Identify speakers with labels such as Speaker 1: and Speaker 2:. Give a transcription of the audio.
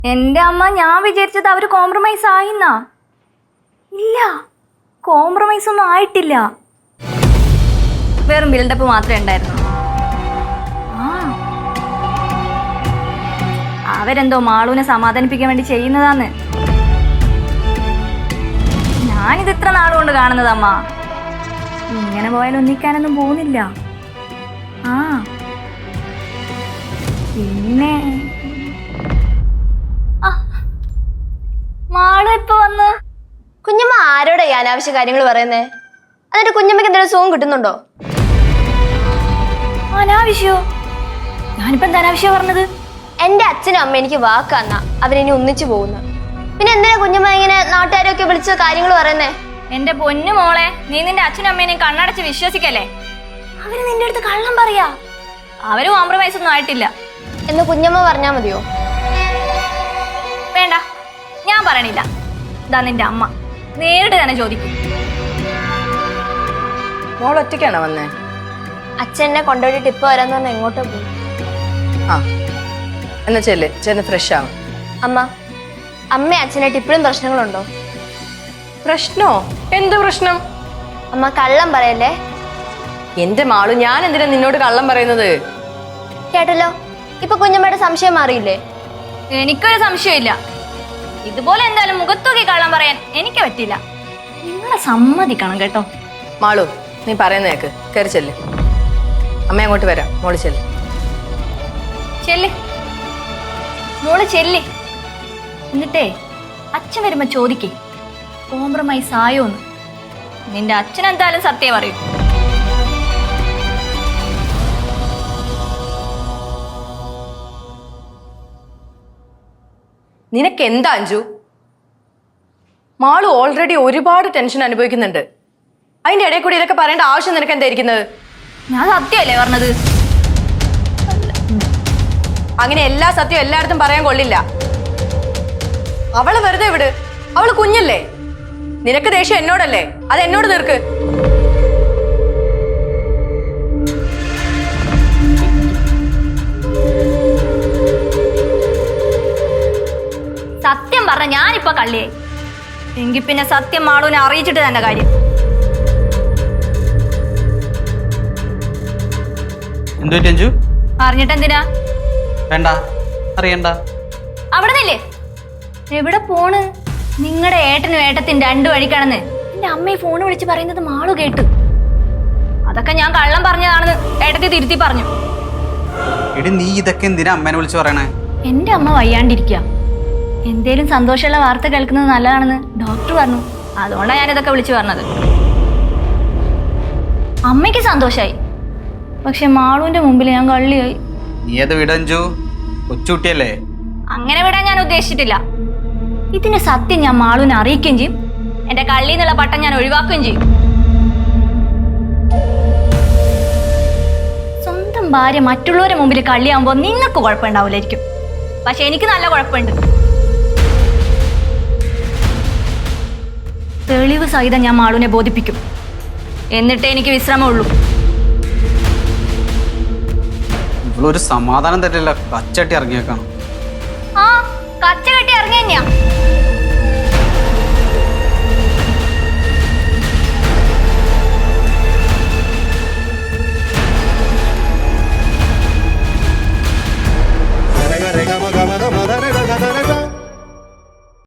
Speaker 1: എന്റെ അമ്മ, ഞാൻ വിചാരിച്ചത് അവര് കോംപ്രമൈസ് ആയിന്നാ. ഇല്ല, കോംപ്രമൈസ് ഒന്നും ആയിട്ടില്ല. വെറും ബിൽഡപ്പ് മാത്രമേ ഉണ്ടായിരുന്നു. അവരെന്തോ മാളുവിനെ സമാധാനിപ്പിക്കാൻ വേണ്ടി ചെയ്യുന്നതാന്ന് ഞാനിത് ഇത്ര നാളുകൊണ്ട് കാണുന്നതമ്മ. ഇങ്ങനെ പോയാൽ ഒന്നിക്കാനൊന്നും പോകുന്നില്ല. പിന്നെ മാളു ഇപ്പൊ വന്ന്.
Speaker 2: കുഞ്ഞമ്മ ആരോടെ ഈ അനാവശ്യ കാര്യങ്ങൾ പറയുന്നേ? എന്നിട്ട് കുഞ്ഞമ്മക്ക് എന്തെങ്കിലും സുഖം കിട്ടുന്നുണ്ടോ?
Speaker 1: അനാവശ്യോ? ഞാനിപ്പോ എന്താ അനാവശ്യം പറഞ്ഞത്?
Speaker 2: എന്റെ അച്ഛനും അമ്മ എനിക്ക് വാക്കാന്നാ അവരിനി ഒന്നിച്ചു പോകുന്നു. പിന്നെ എന്തിനാ കുഞ്ഞമ്മ ഇങ്ങനെ നാട്ടുകാരൊക്കെ വിളിച്ച കാര്യങ്ങൾ പറയുന്നേ?
Speaker 1: എന്റെ പൊന്നു മോളെ, നീ നിന്റെ അച്ഛനും അമ്മേനെയും കണ്ണടച്ച് വിശ്വസിക്കല്ലേ. അവര് നിന്റെ അടുത്ത് കള്ളം പറയാ. അവര് കോംപ്രമൈസ് ഒന്നും ആയിട്ടില്ല
Speaker 2: എന്ന് കുഞ്ഞമ്മ പറഞ്ഞാ മതിയോ?
Speaker 1: വേണ്ട, ഞാൻ പറയണില്ല. ഇതാ നിന്റെ അമ്മ നേരിട്ട് തന്നെ ചോദിക്കും.
Speaker 3: മോൾ ഒറ്റയ്ക്കാണോ വന്നേ?
Speaker 2: അച്ഛനെ കൊണ്ടുപോയിട്ട് ഇപ്പൊ വരാന്ന് പറഞ്ഞാൽ എങ്ങോട്ടോ പോയി.
Speaker 3: എന്നാ ചെന്ന് ഫ്രഷ് ആവും.
Speaker 2: അമ്മ അച്ഛനായിട്ട് ഇപ്പോഴും പ്രശ്നങ്ങളുണ്ടോ?
Speaker 3: പ്രശ്നോ? എന്ത് പ്രശ്നം?
Speaker 2: അമ്മ കള്ളം പറയല്ലേ.
Speaker 3: എന്റെ മാളു, ഞാൻ എന്തിനാ നിന്നോട് കള്ളം പറയുന്നത്?
Speaker 2: കേട്ടല്ലോ, ഇപ്പൊ കുഞ്ഞമ്മയുടെ സംശയം മാറിയില്ലേ?
Speaker 1: എനിക്കൊരു സംശയമില്ല. ഇതുപോലെ എന്തായാലും മുഖത്തൊക്കെ കള്ളം പറയാൻ എനിക്ക് പറ്റില്ല. നിങ്ങളെ സമ്മതിക്കണം കേട്ടോ.
Speaker 3: മാളു, നീ പറയുന്ന കേക്ക്. കയറി ചെല്ല്. അമ്മ അങ്ങോട്ട് വരാം. മോള് ചെല്ല്.
Speaker 1: മോള് ചെല്ല്. എന്നിട്ടേ അച്ഛൻ വരുമ്പോ ചോദിക്കേ കോംപ്രമൈസ് ആയോന്ന്. നിന്റെ അച്ഛൻ എന്തായാലും സത്യം പറയും.
Speaker 3: നിനക്ക് എന്താ അഞ്ജു? മാളു ഓൾറെഡി ഒരുപാട് ടെൻഷൻ അനുഭവിക്കുന്നുണ്ട്. അതിന്റെ ഇടയിൽ കൂടി ഇതൊക്കെ പറയേണ്ട ആവശ്യം നിനക്ക് എന്തായിരിക്കുന്നത്?
Speaker 1: ഞാൻ സത്യമല്ലേ പറഞ്ഞത്?
Speaker 3: അങ്ങനെ എല്ലാ സത്യവും എല്ലായിടത്തും പറയാൻ കൊള്ളില്ല. അവള് വെറുതെ വിട്. അവള് കുഞ്ഞല്ലേ. നിനക്ക് ദേഷ്യം എന്നോടല്ലേ? അത് എന്നോട് തീർക്ക്.
Speaker 1: സത്യം പറഞ്ഞ ഞാനിപ്പോ കള്ളിയായി. എങ്കിൽ പിന്നെ സത്യം മാളുവിനെ അറിയിച്ചിട്ട് തന്നെ കാര്യം. പറഞ്ഞിട്ട് എന്തിനാ?
Speaker 4: വേണ്ട, അറിയണ്ട.
Speaker 1: അവിടെ നില്ലേ. എവിടെ പോണ്? നിങ്ങളുടെ ഏട്ടനും ഏട്ടത്തിന് രണ്ടു വഴിക്കാണെന്ന് എന്റെ അമ്മയെ ഫോൺ വിളിച്ച് പറയുന്നത് മാളു കേട്ടു. അതൊക്കെ ഞാൻ കള്ളം പറഞ്ഞതാണെന്ന് ഏട്ടത്തി തിരുത്തി പറഞ്ഞു.
Speaker 4: എടി, നീ ഇതൊക്കെ എന്തിനാ അമ്മേനെ വിളിച്ച് പറയണേ?
Speaker 1: എന്റെ അമ്മ വയ്യാണ്ടിരിക്കുക. എന്തേലും സന്തോഷമുള്ള വാർത്ത കേൾക്കുന്നത് നല്ലതാണെന്ന് ഡോക്ടർ പറഞ്ഞു. അതുകൊണ്ടാണ് ഞാനിതൊക്കെ വിളിച്ചു പറഞ്ഞത്. അമ്മയ്ക്ക് സന്തോഷായി, പക്ഷെ മാളുവിന്റെ മുമ്പിൽ ഞാൻ കള്ളിയായി.
Speaker 4: നീ അത് വിടഞ്ചു, കൊച്ചുകുട്ടിയല്ലേ.
Speaker 1: അങ്ങനെ വിടാൻ ഞാൻ ഉദ്ദേശിച്ചിട്ടില്ല. ഇതിന് സത്യം ഞാൻ മാളുവിനെ അറിയിക്കുകയും ചെയ്യും. എന്റെ കള്ളി എന്നുള്ള പട്ടം ഞാൻ ഒഴിവാക്കുകയും ചെയ്യും. സ്വന്തം ഭാര്യ മറ്റുള്ളവരുടെ മുമ്പിൽ കള്ളിയാകുമ്പോൾ നിങ്ങൾക്ക് കുഴപ്പമുണ്ടാവില്ലായിരിക്കും, പക്ഷെ എനിക്ക് നല്ല കുഴപ്പമുണ്ട്. തെളിവ് സഹിതം ഞാൻ മാളുവിനെ ബോധിപ്പിക്കും. എന്നിട്ടേ എനിക്ക് വിശ്രമമുള്ളൂ.
Speaker 4: ഇവളൊരു സമാധാനം തരില്ല. കച്ചട്ടി ഇറങ്ങിയേക്കാണ്.